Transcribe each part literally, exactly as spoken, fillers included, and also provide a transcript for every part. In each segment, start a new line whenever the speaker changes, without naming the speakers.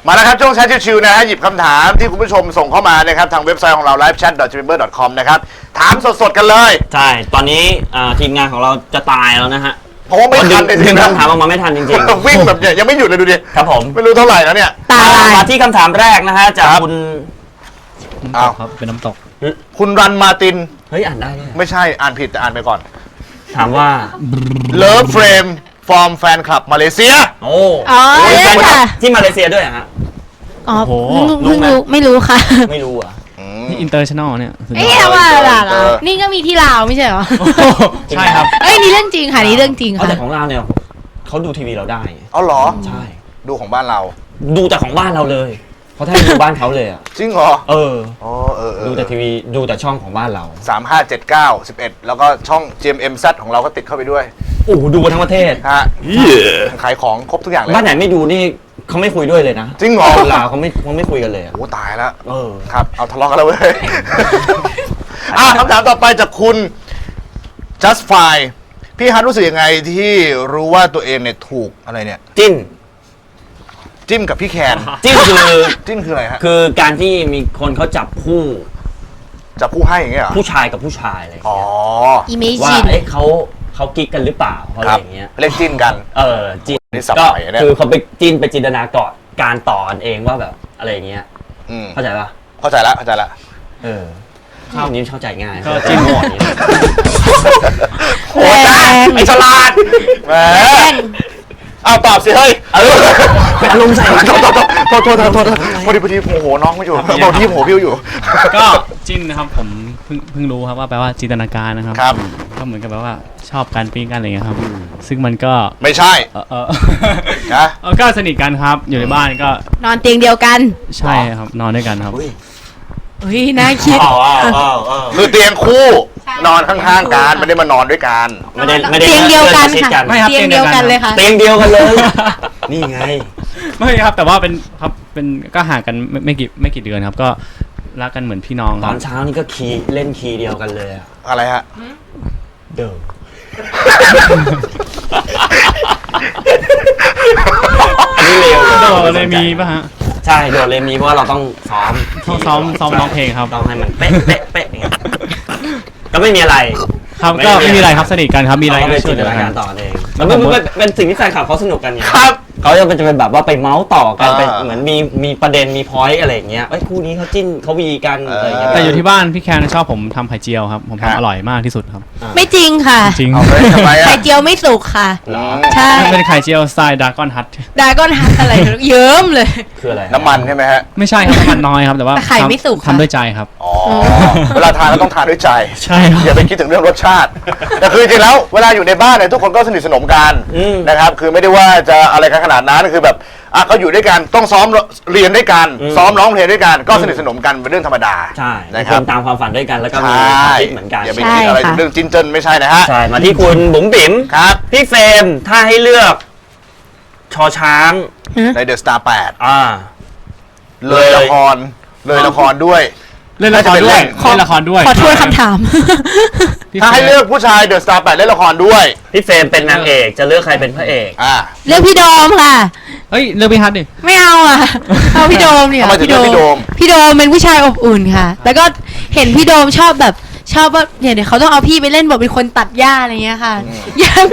มาแล้วครับช่วงแชทชิวๆนะฮะหยิบคำถามที่คุณผู้ชมส่งเข้ามานะครับทางเว็บไซต์ของเรา ไลฟ์แชท ดอท จี เมมเบอร์ ดอท คอม นะครับถามสดๆกันเลย
ใช่ตอนนี้ทีมงานของเราจะตายแล้วนะฮะ
เพราะว่าไม่ทันเลย
ดึงคำถามออกมาไม่ทันจริง
ๆวิ่งแบบยังไม่หยุดเลยดูดิ
ครับผม
ไม่รู้เท่าไหร่แล้วเนี่ย
ตายมาที่คำถามแรกนะฮะจากคุณ
น้ำตกครับเป็นน้ำตก
คุณรันมาติน
เฮ้ยอ่านได้เนี่ย
ไม่ใช่อ่านผิดแต่อ่านไปก่อน
ถามว่า
Love Frame from Fan Club มาเลเซีย
โอ้
อ๋อเนี่ยค่ะ
ที่มาเลเซียด้วยฮะ
อ๋อเพิ่งรู้ไม่รู้ค่ะ
ไม่รู้อ่ะ
นี่อินเตอร์ชั่นแนลเนี่ย
เอ๊ะว่าล่ะนี่ก็มีที่ลาวไม่ใช่เหรอ
ใช่ครับ
เอ้ยนี่เรื่องจริงค่ะนี่เรื่องจริงค่ะ
แต่ของเราเนี่ยเขาดูทีวีเราได้
เอาเหรอ
ใช่
ดูของบ้านเรา
ดูแต่ของบ้านเราเลยเขาแทบดูบ้านเขาเลยอ่ะ
จริงเหรอ
เออ
อ๋อเออ
ดูแต่ทีวีดูแต่ช่องของบ้านเรา
สาม ห้า เจ็ด เก้า สิบเอ็ดแล้วก็ช่อง จี เอ็ม เอ็ม ซี ของเราก็ติดเข้าไปด้วย
โอ้ดูทั้งประเทศ
ฮะขายของครบทุกอย่างเลย
บ้านไหนไม่ดูนี่เขาไม่คุยด้วยเลยนะ
จริงเหรอ
ลาวเขาไม่เขาไม่คุยกันเลย
โอ้ตายแล้ว
เออ
ครับเอาทะเลาะกันแล้วเว้ยอ่ะคำถามต่อไปจากคุณ just fine พี่ฮัทรู้สึกยังไงที่รู้ว่าตัวเองเนี่ยถูกอะไรเนี่ย
จิ้น
จิ้มกับพี่แคน
จิ้นคือ
จิ้นคืออะไรฮะ
คือการที่มีคนเขาจับคู่
จับคู่ให้อย่างเงี้ย
ผู้ชายกับผู้ชายอะไร
อ๋อ
ว่าเอ๊ะเขาเขากิ๊กกันหรือเปล่าอะไรอย่างเงี้ย
เรียกจิ้นกัน
เออจิ้นก็คือเขาไปจิ้นไปจินตนาการการต่อกันเองว่าแบบอะไรอย่างเงี้ยเข้าใจปะ
เข้าใจละเข้าใจละ
เออข้าวนี้เข้าใจง่าย
ก็จิ้นหมด
โอ้ยไอ้ฉลาดแหมเอาตอบสิเฮ้ย
เออเป็นอารมณ์ใส่
โทษโทษโทษโทษโทษพอดีพอดีโมโหน้องไม่อยู่พอดีโมโหพี่อยู่
ก็จิ้นนะครับผมเพิ่งเพิ่งรู้ครับว่าแปลว่าจินตนาการนะครับ
ครับ
ก็เหมือนกับแบบว่าชอบการปิ้งกันอะไรเงี้ยครับซึ่งมันก็
ไม่ใช่
เออเออนะก็สนิทกันครับอยู่ในบ้านก็
นอนเตียงเดียวกัน
ใช่ครับนอนด้วยกันครับ
เฮ้ยน่าคิด
คือเตียงคู่นอนข้างๆกันไม่ได้มานอนด้วยกัน
ไม่ได้ไม่ได้
เตียงเดียวกันค่ะเตียงเดียวกันเลยค่ะ
เตียงเดียวกันเลยนี่ไง
ไม่ครับแต่ว่าเป็นครับเป็นก็ห่างกันไม่ไม่กี่ไม่กี่เดือนครับก็รักกันเหมือนพี่น้อง
ตอนเช้านี่ก็คีย์เล่นคีย์เดียวกันเลย
อะไรฮะ
เดิม
อันนี้เร็วโดเลยมีป่ะฮะ
ใช่โดเลยมีเพราะว่าเราต้องซ้อม
ต้องซ้อมซ้อมร้องเพลงครับ
ต้องให้มันเป๊ะเป๊ะเป๊ะอย่างเงี้ยก็ไม่มีอะไร
ครับก็ไม่มีอะไรครับสนิทกันครับมีอะไร
ก็ช่วยเหลือกันต่อเองแล้วมันเป็นสิ่งที่แฟนคลับเขาสนุกกันไง
ครับ
เขาจะเป็นจะเป็นแบบว่าไปเมาส์ต่อกันเป็นเหมือนมีมีประเด็นมีพอยต์อะไรอย่างเงี้ยไอ้คู่นี้เขาจิ้นเขาวีกันอะไรอย่างเงี้ย
แต่อยู่ที่บ้านพี่แคนชอบผมทำไข่เจียวครับผมทำอร่อยมากที่สุดครับ
ไม่จริงค่ะ
จริง
ไข่เจียวไม่สุกค่ะใช่
เป็นไข่เจียวสไตล์ดากอนฮัท
ดากอนฮัทอะไรเยิ้มเลย
คืออะไร
น้ำมันใช่ไหมฮะ
ไม่ใช่ครับน้ำมันน้อยครับแต่ว่า
ไข่ไม่สุก
ทำด้วยใจครับ
อ๋อเวลาทานเราต้องทานด้วยใจ
ใช่
อย่าไปคิดถึงเรื่องรสชาติแต่คือจริงแล้วเวลาอยู่ในบ้านเนี่ยทุกคนก็สนิทสนมกันนะครับคือไม่ได้ว่าจะอะไรกันขนาดนั้นคือแบบอ่ะก็อยู่ด้วยกันต้องซ้อมเรียนด้วยกันซ้อมร้องเพลงด้วยกันก็สนิทสนมกันเป็นเรื่องธรรมดา
ใช่
นะครับ
ตามความฝันด้วยกันแล้วก็มีความคิดเหมือนกัน
อย่าไปคิดอะไรเรื่องจิ้นเจิ้นไม่ใช่นะฮะ
ใช่มาที่คุณบุ๋มบิ๋ม
ครับ
พี่เฟรมถ้าให้เลือกชอช้าง
ในเดอะสตาร์แปด
อ่า
เลยละครเลยละครด้วย
เล่นละครด้วยเล่นละครด้วย
ขอทวนคำถาม
ถ้าให้เลือกผู้ชายเดอะสตาร์แปดเล่นละครด้วย
พี่เฟรมเป็นนางเอกจะเลือกใครเป็นพระเอก
อ่า
เลือกพี่โดมค่ะ
เฮ้ยเลือกพี่ฮัทดิ
ไม่เอาอ่ะเอาพี่โดมเนี่ย
พี่โดม
พี่โดมเป็นผู้ชายอบอุ่นค่ะแล้วก็เห็นพี่โดมชอบแบบชอบว่าเนี่ยเดี๋ยวเขาต้องเอาพี่ไปเล่นบทเป็นคนตัดหญ้าอะไรเงี้ยค่ะอยาก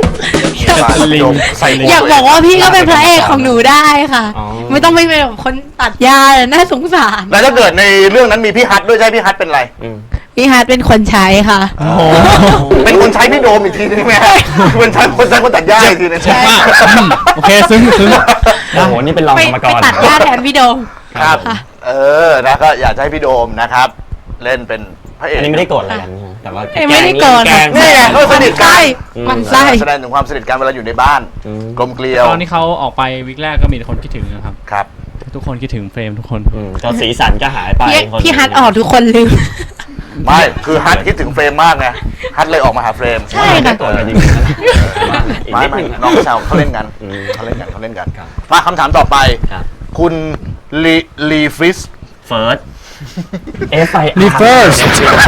อยากบอกว่าพี่ก็เป็นพระเอกของหนูได้ค่ะไม่ต้องไปเป็นแบบคนตัดหญ้าน่าสงสาร
แล้วถ้าเกิดในเรื่องนั้นมีพี่ฮัทด้วยใช่พี่ฮัทเป็นอะไร
พี่ฮัทเป็นคนใช้ค่ะ
เป็นคนใช้พี่โดมอีกทีนึงไหมคนใช้คนใช้คนตัดหญ้าอีกทีนึง
ใช่
โอเคซึ้งซึ้ง
โอ้โหนี่เป็นรองกรรมกร
ไปตัดหญ้าแทนพี่โดม
ครับเออนะก็อยากให้พี่โดมนะครับเล่นเป็นพระเอก
อันนี้ไม่ได้โกรธอะไรกันแต่ว่า
ไม่ได้โกรธ
นี่ไงเขาสนิทกัน
มันไส้
แสดงถึงความสนิทกันเวลาอยู่ในบ้านกลมเกลียว
ตอนที่เขาออกไปวิกแรกก็มีคนคิดถึงนะครับ
ครับ
ทุกคนคิดถึงเฟรมทุกคน
ก็สีสันก็หายไป
พี่ฮัทออกทุกคนลืม
ไม่คือฮัทคิดถึงเฟรมมากไงฮัทเลยออกมาหาเฟรม
ใช่ค่ะ
ไม่ไม่น้องชาวเขาเล่นกันเขาเล่นกันเขาเล่นกันมาคำถามต่อไปคุณลีลีฟิส
เฟิร์ส
F I R First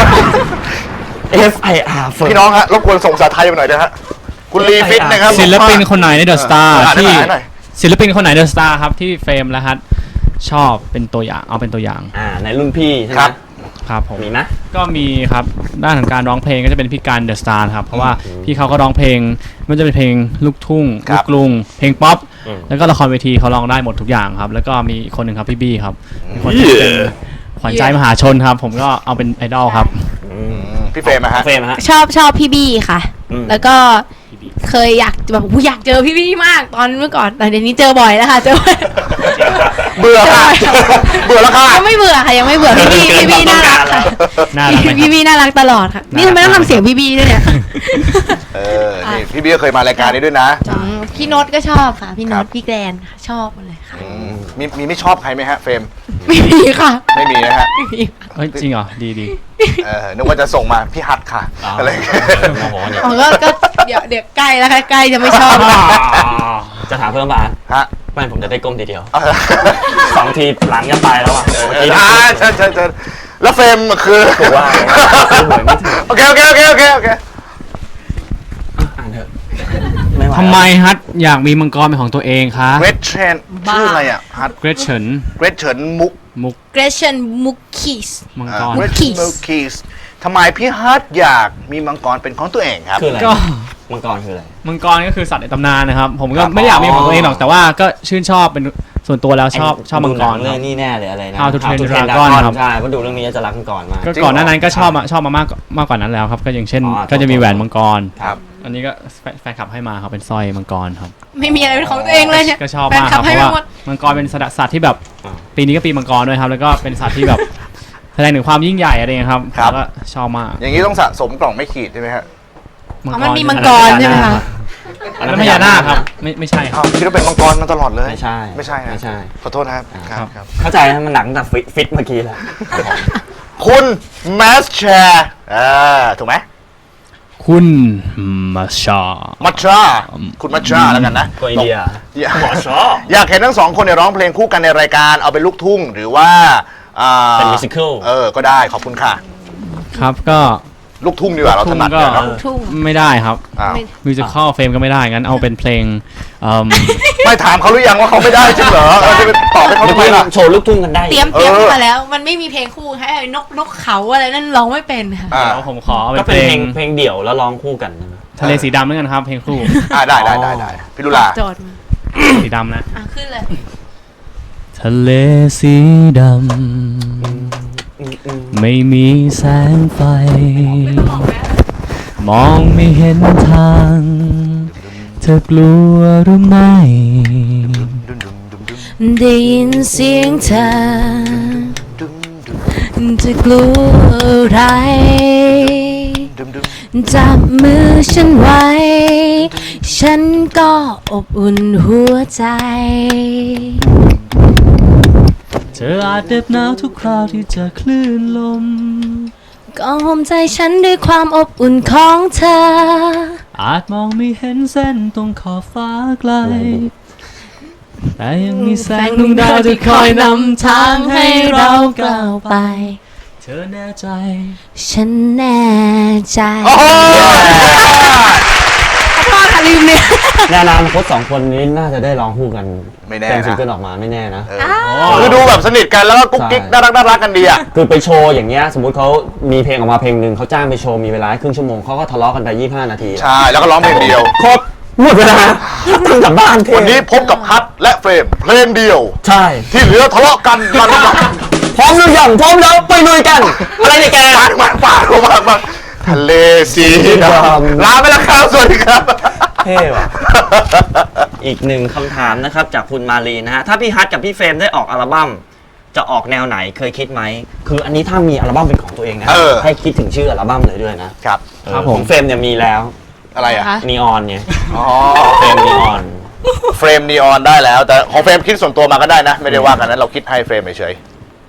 F I R
พี่น้องฮะรบกวนส่งภาษาไทยไปหน่อยนะฮะคุณลีฟิตนะครับ
ศิลปินคนไหนในเดอะสตาร์ที่ศิลปินคนไหนเดอะสตาร์ครับที่เฟรมและฮัทชอบเป็นตัวอย่างเอาเป็นตัวอย่าง
อ่าในรุ่นพี่ใช่ไหม
ครับ
ครับผม
มีไหม
ก็มีครับด้านของการร้องเพลงก็จะเป็นพี่การเดอะสตาร์ครับเพราะว่าพี่เขาก็ร้องเพลงไมันจะเป็นเพลงลูกทุ่ง
ครั
ลู
บ
กกรุงเพลงป๊อป
อืม
แล้วก็ละครเวทีเขาร้องได้หมดทุกอย่างครับแล้วก็มีอีกคนหนึ่งครับพี่บี้ครับเป็นคนที่เป็นขวัญใจมหาชนครับผมก็เอาเป็นไอดอลครับ
อืม
อืมพี่เฟรมอะฮะ
เฟรมฮะ
ชอบชอบพี่บี้ค่ะ
อืม
แล้วก็เคยอยากแบบอุ๊ยอยากเจอพี่บี้มากตอนเมื่อก่อนแต่เดี๋ยวนี้เจอบ่อยแล้วค่ะเจอบ่อย
เบื่อค่ะเบื่อแล้วค่ะ
ยังไม่เบื่อค่ะยังไม่เบื่อพี่บี้พี่บี้น่ารักค่ะ
น่ารักไหมครับ
พี่บี้น่ารักตลอดค่ะนี่ทำไมต้องทำเสียงพี่บี้ด้วยเนี่ย
เออนี่พี่เบี้ยเคยมารายการนี้ด้วยนะ
อืมพี่โน้ตก็ชอบค่ะพี่โน้
ครั
ต
บ
พี่แกรนค่ะชอบหมดเลยค่ะ
อืมมีมีไม่ชอบใครไหมฮะเฟรม
ไม่มีค่ะ
ไม่มีนะฮะ
ไม่มี
เฮ้ยจริงเหรอดีดี
เออนึกว่าจะส่งมาพี่ฮัทค่ะ
อ๋ออ
อะไรอย่างเงี้ย
โอ้โหเนี่ย
อ๋อก็ก็เดี๋ยวเดี๋ยวใกล้แล้วค่ะใกล้จะไม่ชอบแล้ว
จะถามเพิ่มป่ะ
ฮะ
ไม่ผมจะได้ก้มทีเดียว
เอาเถอะ
สองทีหลังจะตายแล้วอ่ะเออเมื่อกี้
อ่าเชิญเชิญเชิญแล้วเฟรมคือ
ผมว่าซื้อหวยไม่ถึง
โอเคโอเคโอเคโอเคโอเค
อ่านเถอะไม่ไหว
ทำไมฮัทอยากมีมังกรเป็นของตัวเองคะ
เกรทเชนชื่ออะไรอ่ะฮัท
เกรเฉิน
เกรทเฉินมุก
มุก
เกรชันมุกคิส
มัง
อ่าก
ร
เกรทเฉินมุกคีสทำไมพี่ฮัทอยากมีมังกรเป็นของตัวเองครับ
คืออะไร
ก็
มังกรคืออะไร
มังกรก็คือสัตว์ในตำนานนะครับ ผมก็
ครับ
ไม่ได้อยากมีของตัวเองหรอกแต่ว่าก็ชื่นชอบเป็นส่วนตัวแล้วชอบชอบมังกร
ดูหนั
ค
เรื่
รั
อบ งนี้แน่เลยอะไรนะ
How to Train
Train
Dragon ครับ
ใช่เพราะดูเรื่องนี้จะรักมังกรมาก
ก็ก่อนหน้านั้นก็ชอบมาชอบมามากมากกว่านั้นแล้วครับ ก็อย่างเช่น
อ๋อ
ก็จะมีแหวนมังกร
ครับ
อันนี้ก็แฟนแฟนคลับให้มาครับเป็นสร้อยมังกรครับ
ไม่มีอะไรเป็นของตัวเองเลยเนี่ย
ก็ชอบ
แฟน
มาก
ค
ค
ลั
รั
บบ ให้
เพราะ
มา
ว่า
หมด
มังกรเป็นสัตว์สัตว์ที่แบบ
อ่า
ปีนี้ก็ปีมังกรด้วยครับแล้วก็เป็นสัตว์ที่แบบแสดงถึงความยิ่งใหญ่อะไรอย่างเงี้ยครับ
ครับ
แล้วก็ชอบมาก
อย่างนี้ต้องสะสมกล่องไม่ขีดใช่ไหมฮะ
อ๋อมันมีมังกรใช่ไหมคะ
อันนั้นพญานาคครับไม่ไม่ใช่ค
อ้า
รับ
วคิดว่าเป็นมังกรมาตลอดเลย
ไม่ใช่
ไม่ใช่นะ
ไม่ใช่
ขอโทษนะครับครับครับ
เข้าใจนะมันหนักตั้งแต่ฟิตฟิตเมื่อกี้แล้ว
คุณแมสแชร์อ่าถูกไหม
คุณมาชา
มัชชาคุณมัชชาแล้วกันนะ
ก็อินเดีย
อยาก
หมอชอ
อยากเห็นทั้งสองคนเนี่ยร้องเพลงคู่กันในรายการเอาเป็นลูกทุ่งหรือว่าอ่า
เป็น musical
เออก็ได้ขอบคุณค่ะ
ครับก็
ลูกทุ่งดีกว่าเราถนัด
ลูกทุ่งก็
เนี่ยเนาะ
ทุ่ง
ไม่ได้ครับ
อ้าว
ไม่
มิวสิคอลเฟรมก็ไม่ได้งั้นเอาเป็นเพลงเอิ่ม
ไม่ถามเขาหรือยังว่าเขาไม่ได้จริงเหรอเราจะไปตอบให้เขา
เมื่อ
ทำไม
กี้
ล่ะ
โชว์ลูกทุ่งกันได้
เตรียมเตรียม
เออ
มาแล้ว มันไม่มีเพลงคู่ให้นกนกเขาอะไรนั่นร้องไม่เป็นค่ะ
อ่า
เดี๋ยวผมขอเอา
ก็
เป็น
เป็น
เพลง
เพลงเพลงเดี่ยวแล้วร้องคู่กันนะ
ทะเลสีดำแล้วกันครับเพลงครู
อ่าได้ได้ได้ได้พี่ลุลา
โจทย์มา
สีดำนะ
อ่ะขึ้นเลย
ทะเลสีดำไม่มีแสงไฟ มองไม่เห็นทาง เธอกลัวหรือไม่
ดุมดุมดุมดุม
ได้ยินเสียงเธอ
ดุมดุม
จะกลัวอะไร
ดุมดุม
จับมือฉันไว้ ฉันก็อบอุ่นหัวใจ
เธออาจเหน็บหนาวทุกคราวที่เจอคลื่นลม
ก็ห่มใจฉันด้วยความอบอุ่นของเธอ
อาจมองไม่เห็นเส้นตรงขอบฟ้าไกล แต่ยังมีแสงดวงดาวที่คอยนำทางให้เราก้าวไป เธอแน่ใจ
ฉันแน่ใจ
โอ้โห
ขอโทษค่ะลืมเนี่ย
ในอนาคตสองคนนี้น่าจะได้ร้องคู่กัน
ไม่แน่
เป็นซิง
นะ
เกิลออกมาไม่แน่นะ
เออคือดูแบบสนิทกันแล้วก็กุ๊กกิ๊ก
ใช่
น่ารักน่ารักกันดีอ่ะ
คือไปโชว์อย่างเงี้ยสมมติเขามีเพลงออกมาเพลงหนึ่งเขาจ้างไปโชว์มีเวลาให้ครึ่งชั่วโมงเขาก็ทะเลาะกันไปยี่สิบห้านาที
ใช่แล้วก็ร้องเพลงเดียว
ครบหมดเวลาตั้งกลับบ้านเท
วันนี้พบกับฮัทและเฟรมเพลงเดียว
ใช่
ที่เหลือทะเลาะกันกันมา
พร้อมหรือยังพร้อมแล้วไปลุยกัน อะไรเนี่ยแก
ปาดมาปาดมามาทะเลสีดำลาไปแล้วครับสวัสดีครับ
เท่ว่ะ อีกหนึ่งคำถามนะครับจากคุณมารีนะฮะ ถ้าพี่ฮัทกับพี่เฟรมได้ออกอัลบั้มจะออกแนวไหนเคยคิดไหม คืออันนี้ถ้ามีอัลบั้มเป็นของตัวเองนะ
เออ
ให้คิดถึงชื่ออัลบั้มเลยด้วยนะครับ เออ
ครับผม
ของเฟรมเนี่ยมีแล้ว
อะไรอ่ะ
คะ
นีออนเนี่ย
อ๋อ
เฟรมนีออน
เฟรมนีออนได้แล้ว แต่ของเฟรมคิดส่วนตัวมาก็ได้นะ ไม่ได้ว่ากันนะเราคิดให้เฟรมเฉย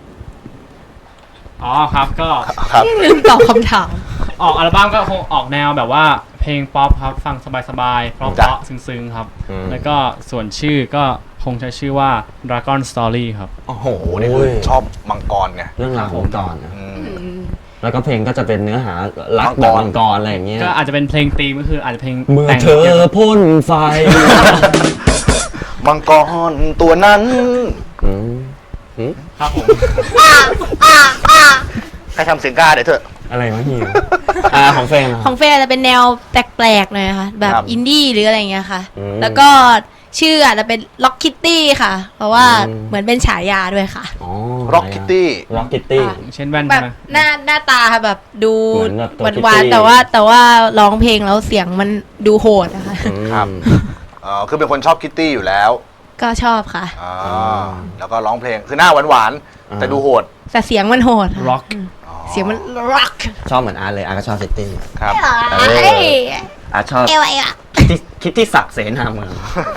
อ๋อครับก็
ๆครับ
ลืมตอบคำถาม
ออกอัลบั้มก็คงออกแนวแบบว่าเพลงป๊อปครับฟังสบายๆเพราะ
จ้ะ
ๆซึ้งๆครับ
อืม
แล้วก็ส่วนชื่อก็คงใช้ชื่อว่า Dragon Story ครับ
โอ้โห
โอ้นี่คือชอบมังกรไง
เรื่องราวของก่อนนะ
อืม
แล้วก็เพลงก็จะเป็นเนื้อหารัก
มังกร
แบบมังกรอะไรอย่างเงี้ย
ก็อาจจะเป็นเพลงธีมก็คืออาจจะเพลง
เมื่อ
แต่ง
เธอพ่นไฟ
มังกรตัวนั้น
อืม
ครับผม
ใครทำเสียงกาเดี๋ยวเถอะ
อะไรวะฮิวอ่าของเฟรมอะ
ของเฟย์จะเป็นแนวแปลกๆหน่อยค่ะ แบบ
ครับ
อินดี้หรืออะไรอย่างเงี้ยค่ะ
อืม
แล้วก็ชื่ออาจจะเป็นล็อกคิตตี้ค่ะ เพราะว่า
อืม
เหมือนเป็นฉายาด้วยค่ะ
อ๋อ
Rock Kitty
ร็อกคิตตี้
ค่ะ
เช่นแว่น
แบ
ใช่
บ
ไหม
หน้าหน้าตาแบบดู
เหมือนแบบตัว
หวาน
Kitty
ๆแต่ว่าแต่ว่าร้องเพลงแล้วเสียงมันดูโหดนะคะ
ครับ อ๋อคือเป็นคนชอบคิตตี้อยู่แล้ว
ก็ชอบค่ะ
อ่าแล้วก็ร้องเพลงคือหน้าหวานๆแต่ดูโหด
แต่เสียงมันโหดค่ะ
ร็อก
อืมเสียงมันร็อก
ชอบเหมือนอาร์ตเลยอาร์ตก็ชอบซิตี้
ครับ
เอ้ย
อาร์ตชอบ
เอวเอว
คิดที่คิดที่ศักดิ์เสนาเมือง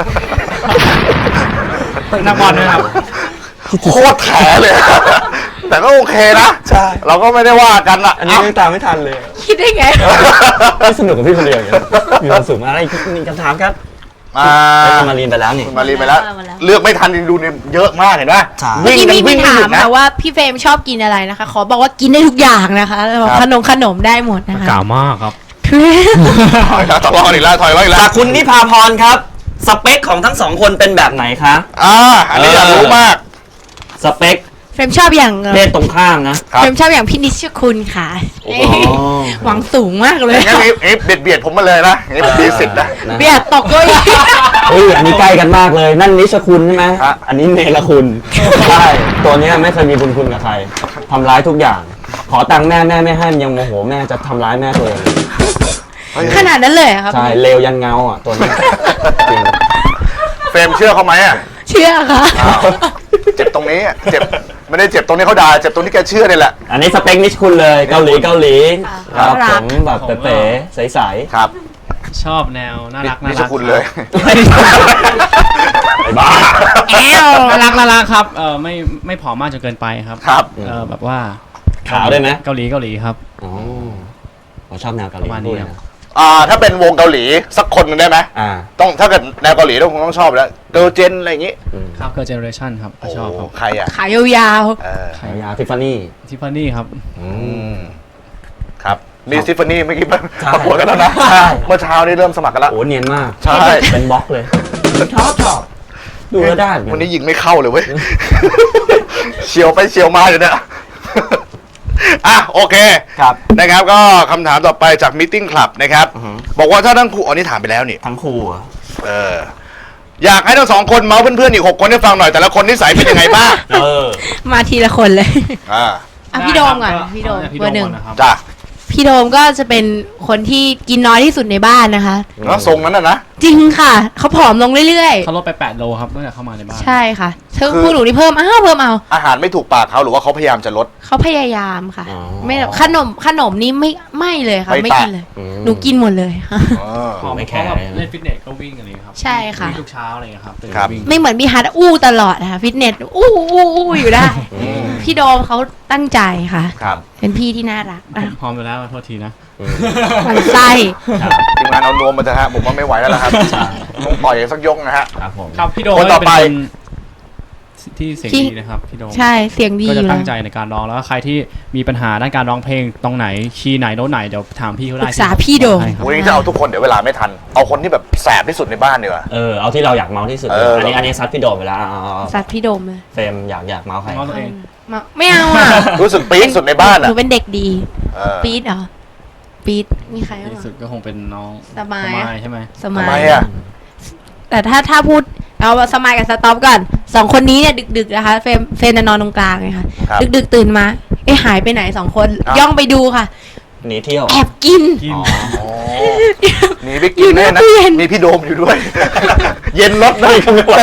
นักบอลด้วยครับ
โคตรแถเลย แต่ก็โอเคนะ ใช่ เราก็ไม่ได้ว่ากันอะ
อันนี้ยังตามไม่ทันเลย
คิดได้ไง
ไม่สนุกกับพี่คนเดียวอย่างเงี้ยมีความสุขมากอะไรอีกหนึ่งคำถามครับ
อ่า
ไปคุณมารีนไปแล้วนี่
คุณมารีไปแล้ว
มาแล้ว
เลือกไม่ทันจริงดูเนี่ยเยอะมากเห็นปะ
ใช่
เมื่อ
วิ่ง
กี้
กัน
มี
วิ่ง
ถาม
ไม่หยุดนะ
ค่ะว่าพี่เฟรมชอบกินอะไรนะคะ ขอบอกว่ากินได้ทุกอย่างนะคะแล้วบอก
ครับ
ขนมขนมได้หมดนะคะ
กล่าวมากครับ
ถอยแล้วทะเลาะกันอีกแล้วถอยแล้วอีกแล้
จาว กคุณนิพาพรครับ สเปคของทั้งสองคนเป็นแบบไหนคะ
อ่าอันนี้อยากรู้มาก
สเปค
เฟรมชอบอย่าง
เพศตรงข้ามนะ
ครับ
เฟรมชอบอย่างพี่นิชคุณค่ะ
โอ้โห
หวังสูงมากเลย
งั้นเอฟเอฟเบียดเบียดผมมาเลยนะเอฟมีสิทธิ์นะ
เบียดตกเก็อีก
เฮ้ยอันนี้ใกล้กันมากเลย นั่นนิชคุณใช่ไหม
ฮะ
อันนี้เนรคุณใช่ตัวเนี้ยไม่เคยมีบุญคุณกับใครทำร้ายทุกอย่าง ขอตังค์แม่แม่ไม่ให้ยังโมโหแม่จะทำร้ายแม่ตัวเอง
เฮ้ย
ขนาดนั้นเลยเหรอครับ
ใช่เลวยันเงาอ่ะตัวเนี้ยจริง
เฟรมเชื่อเขาไหมอ่ะ
เชื่อค่ะ
อ้าวเจ็บตรงนี้อะเจ็บไม่ได้เจ็บตรงนี้เขาด่าเจ็บตรงที่แกเชื่อนี่แหละ
อันนี้สเปคนิชคุณเลยเกาหลีเกาหลีค
ครั
รับบ ผมแบบเป๋ๆใส
ครับ
ชอบแนวน่ารัก
นี่
น่า
ช
รัก
คุณเลย
ๆไอ้บ้า
แอล
น่ารักน่ารักครับเออไม่ไม่ผอมมากจนเกินไปครับ
ครับ
เออแบบว่า
ขาวได้ไหม
เกาหลีเกาหลีครับ
อ๋อผมชอบแนวเกาหลี
ประมาณนี้
ด้วย
ครับ
นะ
อ่าถ้าเป็นวงเกาหลีสักคนหนึงได้ไหม
อ่า
ต้องถ้าเกิดแนวเกาหลีต้องคงต้องชอบแล้วเกิร์ลเจนอะไรอย่างงี้
ครับเกิร์ลเจเนอเรชั่นครับก็ชอบครับ
โใครอ่ะ
ขายาว
เออ
ขายาวทิฟฟานี่
ทิฟฟานี่ครับ
อืมครับนี่ซิฟฟานี่เมื่อกี้
ใช่
ประกวดกันแล้วนะ
ใช่
เมื่อเช้านี่เริ่มสมัครกันแล้ว
โอ้เนียนมาก
ใช่
เป็นบล็อกเลยชอบชอบดูแล้วได้เหมือ
วัน
น
นี้ยิงไม่เข้าเลยเว้ย เฉียวไปเฉียวมาอยู่เนี่ยอ่ะโอเค
ครับ
นะครับก็คำถามต่อไปจากมิ e ติ้งคลับนะครับ
อือฮึ
บอกว่าถ้าทั้งคู่อันนี้ถามไปแล้วนี่
ทั้งคู่อะ
เอออยากให้ทั้งสองคนเมาส์เพื่อนๆอีกหกคนให้ฟังหน่อยแต่ละคนนิสัยเป็นยังไงบ้าง
เออ
ๆมาทีละคนเลย
อ่า
อ่ะพี่โดมก่อน
ได้ครับ
พี่โดม
พี่
เบอร์หนึ่ง
ก่นะครับ
จ้ะ
พี่โดมก็จะเป็นคนที่กินน้อยที่สุดในบ้านนะคะ
เนาะทรงนั้นน่ะนะ
จริงค่ะเขาผอมลงเรื่อย
เขาลดไปแปดโลครับตั้งแต่เข้ามาในบ้าน
ๆ ใช่ค่ะเธอ
คือ
พูดหนูนี่เพิ่มอ้าวเพิ่มเอา
อาหารไม่ถูกปากเขาหรือว่าเขาพยายามจะลด
เขาพยายามค่ะ
อ๋อ
ไม่แบบขนมขนมนี่ไม่ไม่เลยค่ะ
ไม่
ไม่
แตะ
กินเลย
อืม
หนูกินหมดเลยค่ะ
เออ
ผอม
ไม่
เพ
แคร์
ราะแบบเล่นฟิตเนสก็วิ่งอะไรอย่างเงี้ยครับ
ใช่ค่ะ
วิ่งทุกเช้าอะไรอย่างเงี้ยครับตื่น
ครับ
วิ่ง
ไม่เหมือนพี่ฮัทอู้ตลอดนะคะฟิตเนสอู้อู้อู้อยู่ได้ พี่โดมเขาตั้งใจค่ะ
ครับ
เป็นพี่ที่น่ารักอ่ะ
พร้อมไปแล้วโทษทีนะ
อืม
มันไส้
ครับ
ทีมงานเอานวมมาเถอะฮะผมว่าไม่ไหวแล้วล่ะครับต้องต่อยสักยกนะฮะ
ครับผม
ครับพี่โดม
คนต่อไป
เป็นคนที่เสียงดีนะครับพี่โดม
ใช่เสียงดี
ก็
อ
จะ
ยู่แล้
ตั้
ว
งใจในการร้องแล้วก็ใครที่มีปัญหาด้านการร้องเพลงตรงไหนคีย์ไหนโน้ตไหนเดี๋ยวถามพี่เขา
ป
ได้
รึกษาพี่โดม
ให้ครับ
วันนี้จะเอาทุกคนเดี๋ยวเวลาไม่ทัน เอาคนที่แบบแสบที่สุดในบ้านดีกว่า
เออเอาที่เราอยากเมาที่สุด
เอออั
อันนี้อันนี้ซัดพี่โดมไปแล้วเอาเอาเอา
สัตว์พี่โดมเลย
เฟรมอยากอยากเมาใคร
ง้อตัวเอง
มาไม่เอาอ่ะ
รู้สึกปี๊ดสุดในบ้าน
ห
อ่ะ
นูเป็นเด็กดี
เออ
ปี๊ดเหรอปี๊ดมีใครบ้าง
ที่สุด
อ่ะ
ก็คงเป็นน้อง
สมายอะ
ใช่ไหม
ส
ทำ
มั
ไม
ย
อ่ะ
แต่ถ้าถ้าพูดเอาสมัยกับสต็อปก่อนสองคนนี้เนี่ยดึกๆนะคะเฟรมเฟรมจะนอนตรงกลางไงค่ะ
ครับ
ดึกๆตื่นมาเอ๊ะหายไปไหนสองคน
อ้าว
ย่องไปดูค่ะ
หนีเที่ยว
แอบกิน
กิน
อ๋อ
อ๋อหนีไป
อ
กิ
ยู่
น
หน้า
แน่นะ
ตู้เย็น
มีพี่โดมอยู่ด้วย เย็นรถนะ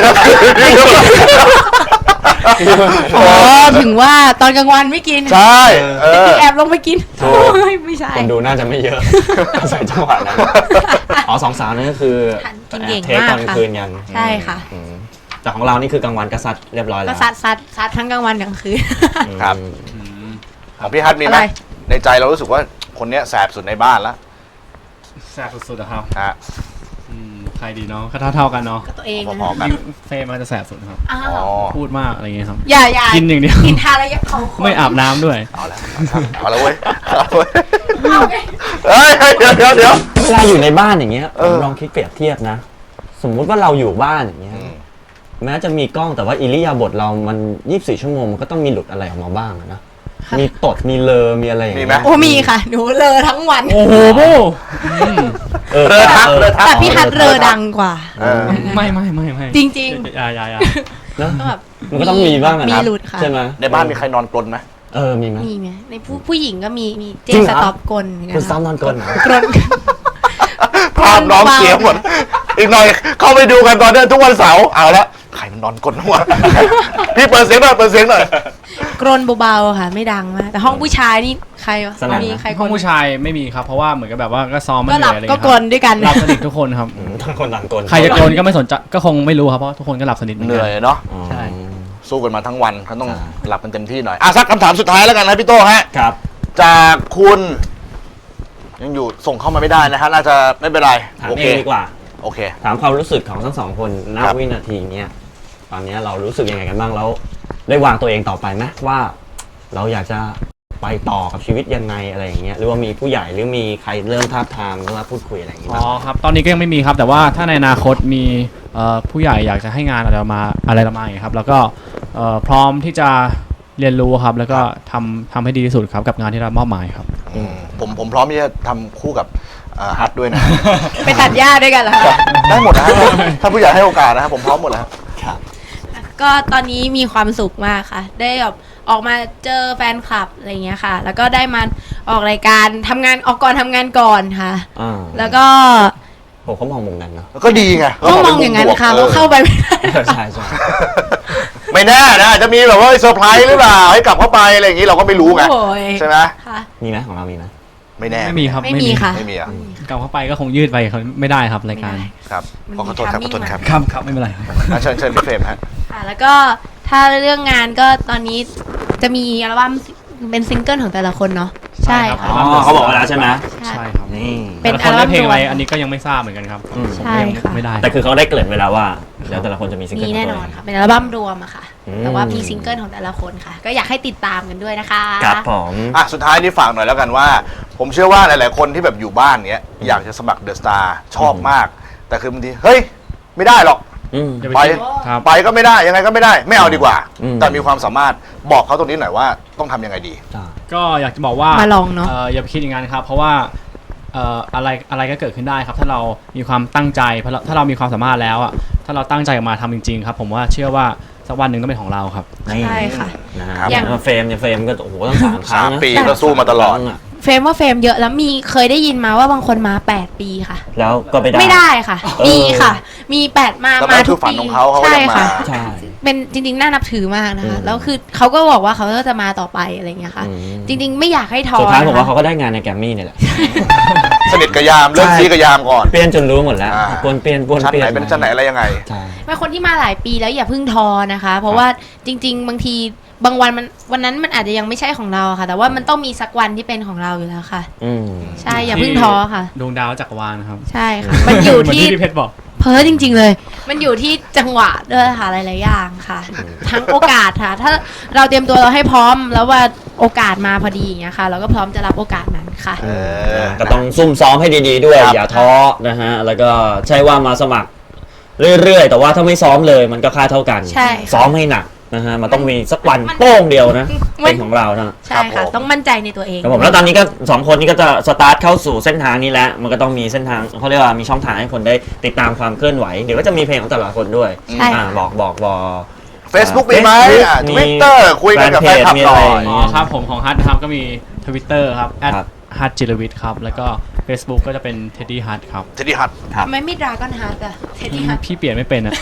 อ๋อถึงว่าตอนกลางวันไม่กิน
ใช่เออ
แอบลงไปกิน
ถูก
โอ้ยไม่ใช่
คนดูน่าจะไม่เยอะ ใส่จังหวะนั้นอ๋อสองสาวนั่นก็คือ
กินเก่ง
เทค
มาก
ตอน
ค่ะ
คืนกัน
ใช่ค่ะ
อืมแต่ของเรานี่คือกลางวันก็ซัดเรียบร้อยแล้
ก็
ว
ซัดซัดซัดทั้งกลางวันกลางคืน
อืม
ครับ
อืม
ของพี่ฮัทมีไหม
อะไร
ในใจเรารู้สึกว่าคนเนี้ยแสบสุดในบ้านแล้ว
แซ่บสุดๆอะครับ
ฮะ
อืมใครดีเนาะก็เท่าเท่าๆกันเนาะ
ก็ตัวเอง
พอๆกัน
เฟรมมันจะแสบสุดครับ
อ้า
อ๋อ
ว
พูดมากอะไรอย่างเงี้ยครับ
อย่าอย่า
กินอย่างเดียว
กินทานแล้วยังเขาคน
ไม่อาบน้ำด้วย
เอาละเอาละเว้ยเอาละเว้ย
เอาไง
เฮ้ยเฮ้ยเดี๋ยวเดี๋ยวเดี๋ยว
เวลาอยู่ในบ้านอย่างเงี้ย
เออ
ผมลองคิดเปรียบเทียบนะ สมมุติว่าเราอยู่บ้านอย่างเงี้ย
อืม
แม้จะมีกล้องแต่ว่าอิริยาบถเรามันยี่สิบสี่ชั่วโมงมันก็ต้องมีหลุดอะไรออกมาบ้างอะนะมีตดมีเลอมีอะไรอย่าง
มี
เงี้ย
ไหม
โอ้มีค่ะ หนูเลอทั้งวัน
โอ้โหโบ
เออ
เรือทักเรือทัก
แต่พี่ฮัทเลอดังกว่า
เออ
ไม่ไม่ไม่ไม่
จริง
อย่าอย่าอย่า
เนอะ
ๆก็แบบ
มันก็ต้องมีบ้างอะ
มี
นะ
หลุดค่ะ
ใช่ไหม
ในบ้านมีใครนอนกลนไหม
เออมีไหม
มีไหมในผู้ผู้หญิงก็มีมีเจ
จริง
ม
เหร
ส
อ
ต็อปกลเหมือนกั
คุณ
น
ซ้อมนอนกลนเหรอ
กลน
ภาพน้องเสียหมด อีกหน่อยเข้าไปดูกันตอนเนี้ยทุกวันเสาร์เอาละใครมันนอนกลนหัวะ พี่เปิดเสียงหน่อยเปิดเสียงหน่อย
กรนเบาๆค่ะ ไม่ดังมากแต่ห้องผู้ชายนี่ใครวะ
สนั่นนะ
มีใครก
ห้
ร
อง
น
ผู้ชายไม่มีครับเพราะว่าเหมือนกับแบบว่าก็ซ้อมมา
ก็
เห
หลั
นื่
บ
อยอะไร
ก็
เงี้ย
กรนด้วยกัน
หลับสนิททุกคนครับ
อืมทั้งคนต่างกลน
ใครจะโกนก็ไม่สนใจก็คงไม่รู้ครับเพราะทุกคนก็หลับสนิทเหมือน
เห
กั
นื่อยเนาะ
อ๋อ
ใช่
สู้กันมาทั้งวันเขาต้อง
ใช่
หลับกันเต็มที่หน่อยอ่ะสักคำถามสุดท้ายแล้วกันนะพี่โต้ฮะ
ครับ
จากคุณ ยังอยู่ส่งเข้ามาไม่ได้นะฮะน่าจะไม่เป็นไร
ถาม
โอ
เอ
เค
งดีกว่า
โอเค
ถามความรู้สึกของทั้งสองคนณ
ครับ
วินาทีเนี้ยตอนเนี้ยเรารู้สึกยังไงกันบ้างแล้ว ได้วางตัวเองต่อไปไหมว่า เราอยากจะไปต่อกับชีวิตยังไงอะไรอย่างเงี้ยหรือว่ามีผู้ใหญ่หรือมีใครเริ่มท้าบทามหรือว่าพูดคุยอะไรอย่างเงี้ย
อ๋อครับตอนนี้ก็ยังไม่มีครับแต่ว่าถ้าในอนาคตมีเอ่อผู้ใหญ่อยากจะให้งานอะไรมาอะไรเรามาอย่างเงี้ยครับแล้วก็เอ่อพร้อมที่จะเรียนรู้ครับแล้วก็ทำทำให้ดีที่สุดครับกับงานที่เรามอบหมายครับ
อืมผมผมพร้อมที่จะทำคู่กับเอ่อฮัทด้วยนะ
ไปตัดหญ้าด้วยกันเหรอคะ
ได้หมดนะฮะถ้าผู้ใหญ่ให้โอกาสนะครับผมพร้อมหมดแล้ว
ครับ
ก็ตอนนี้มีความสุขมากค่ะ ได้แบบออกมาเจอแฟนคลับอะไรเงี้ยค่ะ แล้วก็ได้มาออกรายการทำงานออกก่อนทำงานก่อนค่ะ
อ่า
แล้วก็
ผมเขามองมุมนั้นเนาะ
แล้วก็ดีไง
ก็มองอย่างนั้นค่ะเพราะเข้าไปไม่ได้
ใช่ใช่
ไม่แน่นะอาจจะมีแบบว่าเซอร์ไพรส์หรือเปล่าให้กลับเข้าไปอะไรอย่างนี้เราก็ไม่รู้ไง
โอ้ย
ใช่ไหม
ค่ะ
มีไหมของเรามีไหม
ไม่แน่
ไม่มีครับ
ไม่มีค่ะ
ไม่มีอ่ะ
กลับเข้าไปก็คงยืดไปเขาไม่ได้ครับรายการ
ไม่ได้
ครับ
มัน
ขอขอโทษครับขอโทษครับ
ครับครับไม่เป็นไรครับ
อ่ะเชิญเชิญพี่เฟรมฮะ
ค่ะแล้วก็ถ้าเรื่องงานก็ตอนนี้จะมีอัลบั้มเป็นซิงเกิลของแต่ละคนเนาะใช่
ใช่ครั
ค่ะ
บ
อ๋อเขาบอกมาแล้วใช่ไหม
ใช่ครับ
นี่
เป็น
แต่ละคนได้เพลงอะไร
อัลบั้มรวม
อันนี้ก็ยังไม่ทราบเหมือนกันครับ
อืม
ผม
ใช่
ก็ยัง
ค่ะ
ไม่ได้
แต่คือเขาได้เกริ่นไว้แล้วว่าเดี๋ยวแต่ละคนจะมีซิงเกิล
มี
ของ
แน่
ตัวน เอ
อน
ง
ค่ะเป็นอัลบั้มรวมอะค่ะ
อืม
แต่ว่ามีซิงเกิลของแต่ละคนค่ะ ก็อยากให้ติดตามกันด้วยนะคะ
ครับผม
อ่ะสุดท้ายนี่ฝากหน่อยแล้วกันว่า ผมเชื่อว่าหลาย ๆ คนที่แบบอยู่บ้านเนี้ยอยากจะสมัครเดอะสตาร์ชอบมาก แต่คือบางทีเฮ้ยไม่ได้หรอก
อืม
อย่า
ไป
คิดครับ
ไปก็ไม่ได้ยังไงก็ไม่ได้ไม่เอาดีกว่า
อืม
แต่มีความสามารถบอกเขาตรงนี้หน่อยว่าต้องทำยังไงดี
จ้า
ก็อยากจะบอกว่า
มาลองเนอะ
อย่าไปคิดอย่างนั้นครับ เพราะว่าเอ่ออะไรอะไรก็เกิดขึ้นได้ครับ ถ้าเรามีความตั้งใจเพราะเราถ้าเรามีความสามารถแล้วอ่ะถ้าเราตั้งใจออกมาทำจริงๆครับ ผมว่าเชื่อว่าสักวันหนึ่งต้องเป็นของเราครับ
ใช่ค่ะ
นะฮะ
ครับ
อย่างเฟรมเนี่ยเฟรมก็โอ้โหตั้งสามครั้ง
สาม
นะ
ปีก็สู้มาตลอด
ครั้งะ
เฟรมว่าเฟรมเยอะแล้วมีเคยได้ยินมาว่าบางคนมาแปดปีค่ะ
แล้วก็ไม่ได้
ไม่ได้ค่ะ
เออ
มีค่ะ มีแปดมา
แล้ว
มา
นั่น
ทุ
คื
ก
อฝัน
ปี
ของเขาเขาก็
ใช่
ยังมา
ค่ะ
ใช่
เป็นจริงๆน่านับถือมากนะคะ
อืม
แล้วคือเขาก็บอกว่าเขาก็จะมาต่อไปอะไรเงี้ยค่ะ
อืม
จริง ๆ ไม่อยากให้ท้อ
สุดท้ายผมว่า
นะคะ
เขาก็ได้งานในแกรมมี่เนี่ยแหละ
สนิทกับยามเริ่ม
ใช่
ซีกับยามก่อน
เปลี่ยนจนรู้หมดแล้ว
อ่า
ปวนเปลี่ยนปวน
ชั้น
เปลี่ย
ไห
น
นเป็นชั้นไหนอะไรยังไง
ใช่
เป็นคนที่มาหลายปีแล้วอย่าเพิ่งท้อนะคะ เพราะว่าจริง ๆ บางทีบางวันมันวันนั้นมันอาจจะยังไม่ใช่ของเราค่ะ แต่ว่ามันต้องมีสักวันที่เป็นของเราอยู่แล้วค่ะ
อืม
ใช่อย่าเพิ่งท้อค่ะ
ดวงดาวจักรวาลครับ
ใช่ค่ะ มันอยู่
เหมือน
ที่
ที่พี่เพชรบอก
เพ้อจริง ๆ เลย มันอยู่ที่จังหวะด้วยค่ะหลายๆอย่างค่ะ ทั้งโอกาสค่ะ ถ้าเราเตรียมตัวเราให้พร้อม แล้วว่าโอกาสมาพอดีอย่างเงี้ยค่ะ เราก็พร้อมจะรับโอกาสนั้นค่ะ
เออ
ก็ต้องซุ่มซ้อมให้ดีๆด้วย
ครับ
อย่าท้อนะฮะ แล้วก็ใช่ว่ามาสมัครเรื่อยๆ แต่ว่าถ้าไม่ซ้อมเลยมันก็ค่าเท่ากัน
ใช่ค่ะ
ซ้อมให้หนักนะฮะ มันต้องมีสักวัน
มัน
โป้งเดียวนะ
มัน
เป็นของเรานะ
ใช่ค่ะ ต้องมั่นใจในตัวเอง
ครับผมแล้วตอนนี้ก็สองคนนี้ก็จะสตาร์ทเข้าสู่เส้นทางนี้แล้ว มันก็ต้องมีเส้นทางเขาเรียกว่ามีช่องทางให้คนได้ติดตามความเคลื่อนไหว เดี๋ยวก็จะมีเพลงของแต่ละคนด้วย
ใช่
อ่าบอกบอกบอก
Facebook มีไหม
Facebook
อ่ะ
มี
Twitter คุยกันกับแฟนคลับ
มี
ห
อะ
น่
ไร
อย
อ๋อครับผมของฮัทนะครับก็มี Twitter ครับ
ครับ
ฮัทจิรวิทย์ครับ แล้วก็ Facebook ก็จะเป็น Teddy Hut ครับ
เทดดี้ฮัท
ครับ
ทำไมไม่ดราก้อนฮาร์ดอะเทดดี้ฮาร์ด
พี่เปลี่ยนไม่เป็นอะ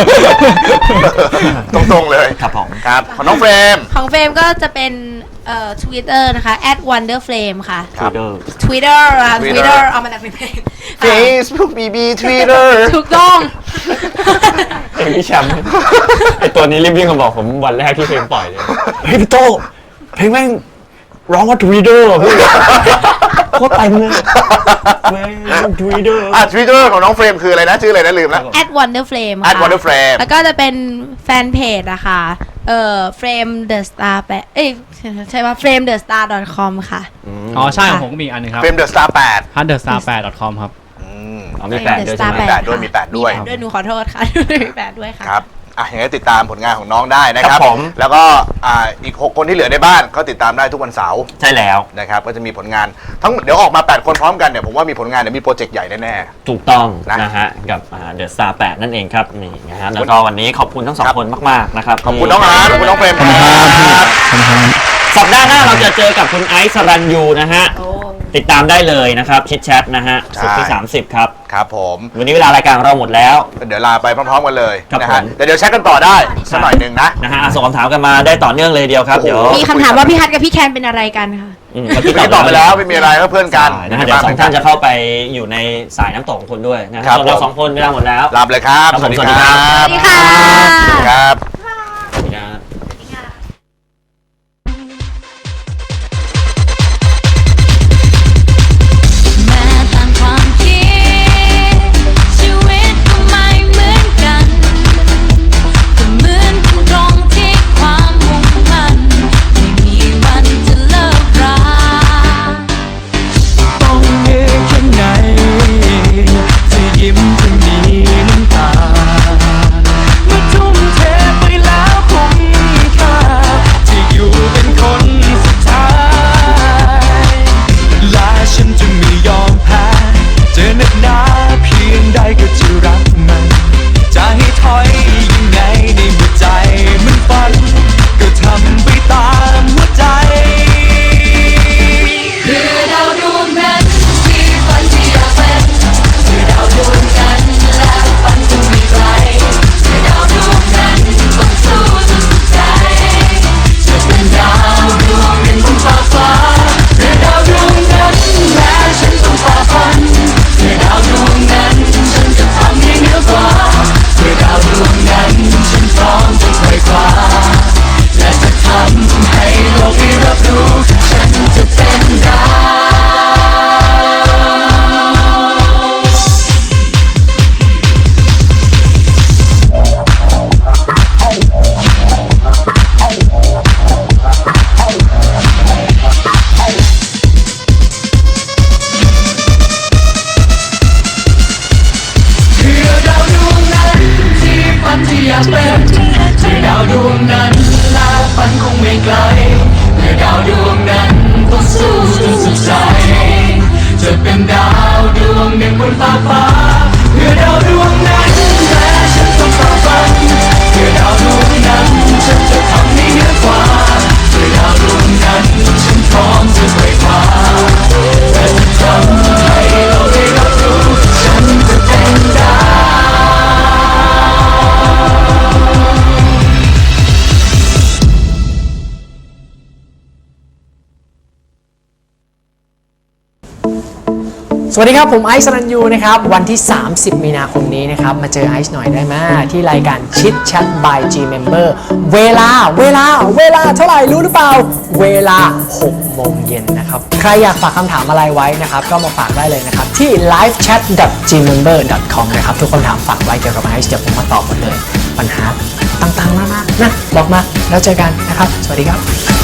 ตรงๆเลย
ครับผม
ครับของน้องเฟรม
ของเฟรมก็จะเป็นเอ่อ Twitter นะคะ at wonderflame ค่ะ
ครับ
Twitter
Twitter อ่ะ
Twitter
Twitter เอามาจากเพลง
Facebook บี บี Twitter
ถูกต้อง
เพลงพี่แชมป์ไอตัวนี้รีบวิ่งมาบอกผมวันแรกที่เพลงปล่อยเลยเฮ้ยพี่โตเพลงแม่งร้องว่า Twitter เหรอพี่โคตรเต็มเลยแม่ง Twitter
อ่ะ Twitter ของน้องเฟรมคืออะไรนะ ชื่ออะไรนะลืมแล้ว
at wonderflame ค่ะ
at wonderflame
แล้วก็จะเป็นแฟนเพจอะค่ะเอ่อ frame the star แปะเอ้ยใช่ป่ะ frame the star dot com ค่ะ
อ๋อใช่ของผมก็มีอีกอันหนึงครับ
เฟรมเดอะสตาร์แปด
ฮัทเดอะสตาร์แปด .com ครับ
อืม
อ๋อมีแปดด้วยใช่ไหม
มีแปดด้วยมีแปดด้วย
มีแปดด้วยหนูขอโทษค่ะ มีแปดด้วยค่ะ
ครับอ่ะยังไงติดตามผลงานของน้องได้นะค
ครั
รับบ
ผม
แล้วก็อ่าอีกหกคนที่เหลือในบ้านก็ติดตามได้ทุกวันเสาร์
ใช่แล้ว
นะครับก็จะมีผลงานทั้งเดี๋ยวออกมาแปดคนพร้อมกันเนี่ยผมว่ามีผลงานเดี๋ยวมีโปรเจกต์ใหญ่แน่
ถูกต้อง
นะ
นะฮะกับเดอะสตาร์แปดนั่นเองครับนี่นะฮะแล้วก็วันนี้ขอบคุณทั้งสอง
ครับ
คนมากๆนะครับ
ๆขอบคุณน้องอาร์ตขอบคุณน้องเฟรมครับ
สัปดาห์หน้าเราจะเจอกับคุณไอซ์สรัญยูนะฮะ
โอ้
ติดตามได้เลยนะครับชิดแชทนะฮะศุกร์ที่สามสิบครับ
ครับผม
วันนี้เวลารายการของเราหมดแล้ว
เดี๋ยวลาไปพร้อมๆกันเลย
ครับ
นะ
ผ
ฮะ
ม
แต่เดี๋ยวแชทกันต่อได้สักหน่อยหนึ่งนะ
นะฮะส่งคำถามกันมาได้ต่อเนื่องเลยเดียวครับ
โอ้โห
เดี๋ยว
มีคำถามว่าพี่ฮัทกับพี่แคนเป็นอะไรกันคะ
อืม
เมื่อกี้ตอบไปแล้วไม่มีอะไรก็เพื่อนกัน
ใช่นะฮะเดี๋ยวสองท่านจะเข้าไปอยู่ในสายน้ำตกของคุณด้วยนะฮะ
ครับ
ส่วนเรา
ผม
สองคนเวลาหมดแล้ว
ลาไปเลยครับ
ครับผม
สวัสดีครับ
สวัสดีค่ะ
สวัสดีครับ
สวัสดีครับ
แม้ต่างความคิดชีวิตก็ไม่เหมือนกันแต่เหมือนกันตรงที่ความมุ่งมั่นไม่มีวันจะเลิกรา
ต้องเยอะแค่ไหนจะยิ้มจะมีน้ำตาเมื่อทุ่มเทไปแล้วคุ้มค่าที่อยู่เป็นคนสุดท้ายและฉันจะไม่ยอมแพ้จะหนักหนาเพียงใดก็จะรักมันจะให้ถอยยังไงในเมื่อใจมันฝันก็ทำไปตามหัวใจ
คือดาวดวงนั้นที่ฝันที่อยากเป็นคือดาวดวงนั้นและฝันจะไม่ไกลคือดาวดวงนั้นต้องสู้สุดใจจะเป็นดาวดวงหนึ่งบนฟ้าฟ้าคือดาวดวงนั้นแม้ฉันต้องฝ่าฟันคือดาวดวงนั้นฉันจะทำให้เหนือกว่าคือดาวดวงนั้นฉันพร้อมจะไขว่คว้าและจะทำให้โลกได้รับรู้ฉันจะเป็นดาว คือดาวดวงนั้นที่ฝันที่อยากเป็นคือดาวดวงนั้นและฝันคงไม่ไกลคือดาวดวงนั้นต้องสู้จนสุดใจจะเป็นดาวดวงหนึ่งบนฟ้าฟ้าคือดาวดวงนั้นแม้ฉันต้องฝ่าฟันคือดาวดวงนั้นฉันจะทำให้เหนือกว่าคือดาวดวงนั้นฉันพร้อมจะไขว่คว้าและจะทำให้โลกได้รับรู้ฉันจะเป็นดาว
สวัสดีครับผมไอซ์สรัญยูนะครับวันที่ สามสิบ มีนาคมนี้นะครับมาเจอไอซ์หน่อยได้ไหมที่รายการชิดแชท by G Member เวลาเวลาเวลาเท่าไหร่รู้หรือเปล่า เวลา หก โมงเย็นนะครับใครอยากฝากคำถามอะไรไว้นะครับก็มาฝากได้เลยนะครับที่ ไลฟ์แชท ดอท จี เมมเบอร์ ดอท คอม นะครับทุกคำถามฝากไว้เกี่ยวกับไอซ์เดี๋ยวผมมาตอบหมดเลยปัญหาต่างๆมากๆนะบอกมาแล้วเจอกันนะครับสวัสดีครับ